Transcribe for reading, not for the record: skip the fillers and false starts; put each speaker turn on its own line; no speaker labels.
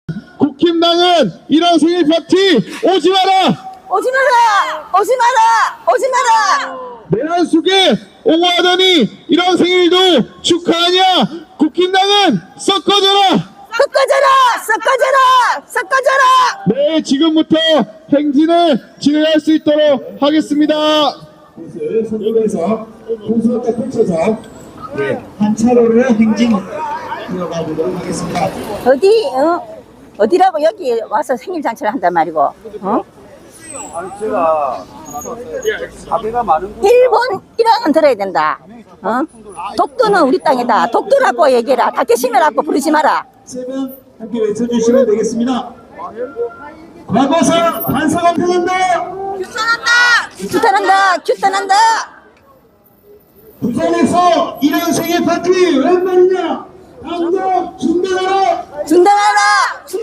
국힘당은 이런 생일 파티 오지 마라!
오지 마라! 오지 마라! 오지 마라!
내란 속에 옹호하더니 이런 생일도 축하하냐? 국힘당은 섞어져라!
섞어져라! 섞어져라! 섞어져라!
네, 지금부터 행진을 진행할 수 있도록 하겠습니다.
곳을 선정해서 공수가 펼쳐서 한 차로를 행진 이어가 보도록 하겠습니다.
어디, 어디라고 여기 와서 생일 잔치를 한단 말이고,
아니 제가 사배가 많은 곳
일본 1학은 들어야 된다. 독도는 우리 땅이다. 독도라고 얘기해라. 다케시메라고 부르지 마라.
세 분 함께 외쳐주시면 되겠습니다. 과거사 반사감평한다.
규탄한다! 규탄한다!
부산에서 이런 생일 파티 웬 말이냐? 당장 중단하라.
중단하라!